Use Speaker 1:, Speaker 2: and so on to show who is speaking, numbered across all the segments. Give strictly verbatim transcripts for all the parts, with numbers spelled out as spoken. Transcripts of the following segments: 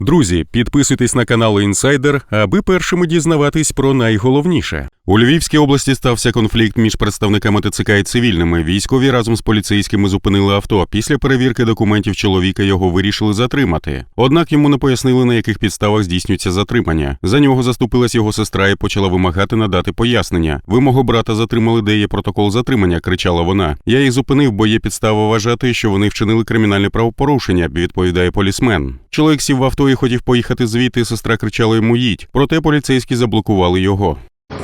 Speaker 1: Друзі, підписуйтесь на канал Інсайдер, аби першими дізнаватись про найголовніше. У Львівській області стався конфлікт між представниками ТЦК і цивільними. Військові разом з поліцейськими зупинили авто. Після перевірки документів чоловіка його вирішили затримати. Однак йому не пояснили, на яких підставах здійснюється затримання. За нього заступилась його сестра і почала вимагати надати пояснення. «Ви мого брата затримали, де є протокол затримання», – кричала вона. «Я їх зупинив, бо є підстава вважати, що вони вчинили кримінальне правопорушення», – відповідає полісмен. Чоловік сів в авто і хотів поїхати звідти, сестра кричала йому «їдь», проте поліцейські заблокували його.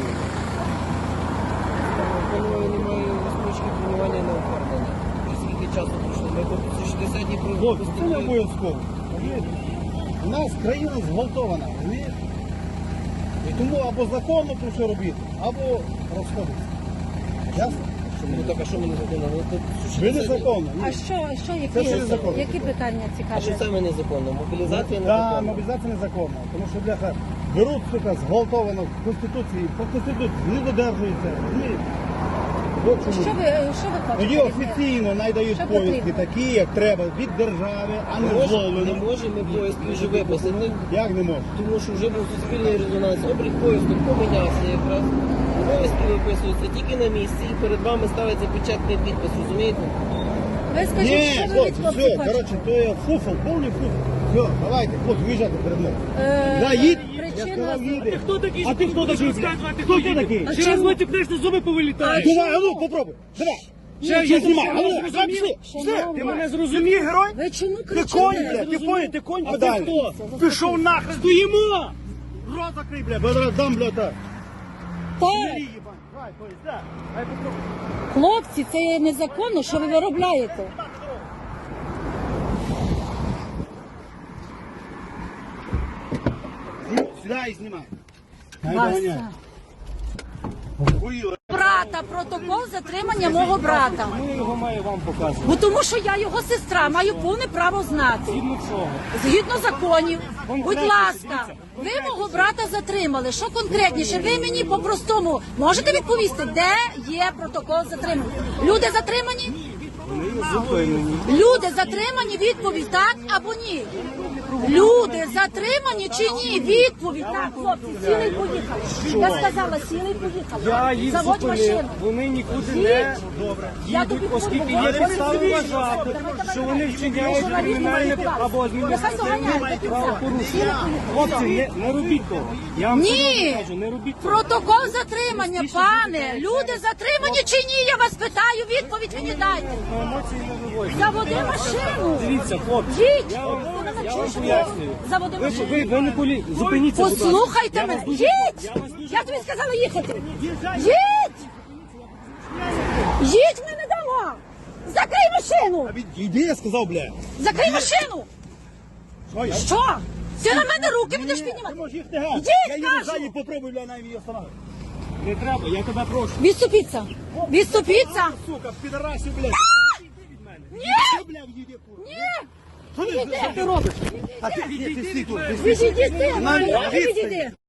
Speaker 2: Хлопці, це не обов'язково. У нас країна зґвалтована, розумієте? І тому або законно про що робити, або розходитися. Ясно?
Speaker 3: Ну так, а що ми незаконно?
Speaker 2: Ви незаконно.
Speaker 4: А що, що
Speaker 2: Це
Speaker 4: які,
Speaker 2: все незаконно.
Speaker 4: які питання
Speaker 3: А
Speaker 4: цікаві?
Speaker 3: що саме незаконно? Мобілізація
Speaker 2: Так,
Speaker 3: незаконна?
Speaker 2: мобілізація незаконна. Тому що, бляха, беруть, сука, зґвалтовано в Конституції, по Конституції не додержуються. розумієте? От чому.
Speaker 4: Що ви, що ви хочете?
Speaker 2: Тоді офіційно найдають
Speaker 4: Що
Speaker 2: повістки
Speaker 4: потрібно?
Speaker 2: такі, як треба, від держави, а не
Speaker 3: Не можемо,
Speaker 2: зловлено.
Speaker 3: не можемо ми поїздки вже виписати,
Speaker 2: Як не можна?
Speaker 3: тому що вже був суспільний резонанс. Облік поїздок помінявся якраз. Поїздки виписуються тільки на місці і перед вами ставиться печатний підпис, розумієте?
Speaker 4: Ви скажіть,
Speaker 2: Ні,
Speaker 4: що ви від
Speaker 2: хлопці,
Speaker 4: хлопців
Speaker 2: все,
Speaker 4: хочете?
Speaker 2: коротше, то є фуфел, повний фуфел. Все, давайте, хлопці, виїжджайте перед мною.
Speaker 4: Е,
Speaker 2: Да, їдь. Я
Speaker 4: Причина...
Speaker 2: сказав, їди.
Speaker 5: Хто такий?
Speaker 2: А ти хто такий? Хто ти такий?
Speaker 4: А
Speaker 5: Ще раз
Speaker 4: чому?
Speaker 5: витікнеш, на зуби повилітають.
Speaker 2: Давай, а ну, попробуй. Давай.
Speaker 5: Ще
Speaker 2: Я
Speaker 5: я
Speaker 2: знімаю. А ну,
Speaker 5: зрозумів.
Speaker 2: давай, пішли.
Speaker 4: Шановні,
Speaker 5: Ти мене зрозумів, герой?
Speaker 4: ви чому
Speaker 2: Ти
Speaker 4: кричите?
Speaker 2: конь, блядь, ти понял, ти конь
Speaker 5: А ти
Speaker 2: подалі.
Speaker 5: хто? Пішов нахрен, стоїмо!
Speaker 2: Рот закрий, бля, бо зараз дам, бля, так.
Speaker 4: Так,
Speaker 2: Давай, поїзд, да. Дай попробуй.
Speaker 4: хлопці, це є незаконно, що ви виробляєте.
Speaker 2: Сідай і знімай.
Speaker 4: Вася. Брата, протокол затримання мого брата.
Speaker 5: Ми його має вам показувати.
Speaker 4: Бо тому що я його сестра, маю повне право знати.
Speaker 5: Згідно чого?
Speaker 4: Згідно законів. Будь ласка, ви мого брата затримали. Що конкретніше? Ви мені по-простому можете відповісти, де є протокол затримання? Люди затримані?
Speaker 5: Зупинені.
Speaker 4: Люди затримані, відповідь так або ні? Люди затримані чи ні? Відповідь так, хлопці, сіли і поїхали. Я сказала, сіли і поїхали.
Speaker 5: Я їх
Speaker 4: Заводь
Speaker 5: зупинив,
Speaker 4: машину.
Speaker 5: вони нікуди
Speaker 4: Їдь.
Speaker 5: не
Speaker 4: Я тобі
Speaker 5: їдуть, оскільки
Speaker 4: говорю,
Speaker 5: є
Speaker 4: ви
Speaker 5: підстави
Speaker 4: розумієте,
Speaker 5: вважати,
Speaker 4: давай,
Speaker 5: що
Speaker 4: давай,
Speaker 5: вони
Speaker 4: давай.
Speaker 5: вчиняють
Speaker 4: Журналісти
Speaker 5: кримінальне
Speaker 4: маніпулювати.
Speaker 5: або
Speaker 4: Нехай
Speaker 5: адміністративне
Speaker 4: доганяють, до кінця.
Speaker 5: правопорушення. Хлопці, не, не робіть того. Я вам
Speaker 4: Ні.
Speaker 5: серйозно кажу, не робіть того.
Speaker 4: Протокол затримання, пане. Люди затримані чи ні? Я вас питаю, відповідь мені дайте.
Speaker 5: На емоції не виводьте.
Speaker 4: Заводи машину.
Speaker 5: Дивіться, хлопці,
Speaker 4: Їдь.
Speaker 5: я вам,
Speaker 4: Ти мене
Speaker 5: я вам
Speaker 4: чуєш?
Speaker 5: пояснюю.
Speaker 4: Заводи
Speaker 5: Ви,
Speaker 4: машину.
Speaker 5: ви, ви не полі... Зупиніться, будь ласка.
Speaker 4: Послухайте
Speaker 5: Я
Speaker 4: мене.
Speaker 5: вас дуже-
Speaker 4: Їдь!
Speaker 5: я вас дуже-
Speaker 4: Я тобі сказала їхати. Їдь! Їдь, ми не дамо! Закрий машину!
Speaker 2: Іди, я сказав, бля.
Speaker 4: Закрий машину!
Speaker 2: Що я?
Speaker 4: Що? Ти на мене руки будеш
Speaker 2: Ти
Speaker 4: піднімати?
Speaker 2: можеш їх не гати.
Speaker 4: Йди,
Speaker 2: Я їду
Speaker 4: кажу.
Speaker 2: ззаді, попробуй, бля, навіть її остановити.
Speaker 5: Не треба, я тебе прошу.
Speaker 4: Відступіться! Відступіться!
Speaker 2: Сука, підарасів, блядь.
Speaker 4: Ні!
Speaker 2: Ти, бля, в'їди.
Speaker 4: Ні!
Speaker 2: Що ти,
Speaker 4: Відійди.
Speaker 2: що ти робиш? А ти, ні, ти стій тут.
Speaker 4: Відійди, ти!
Speaker 2: Навіть
Speaker 4: Відійди!
Speaker 2: відстань.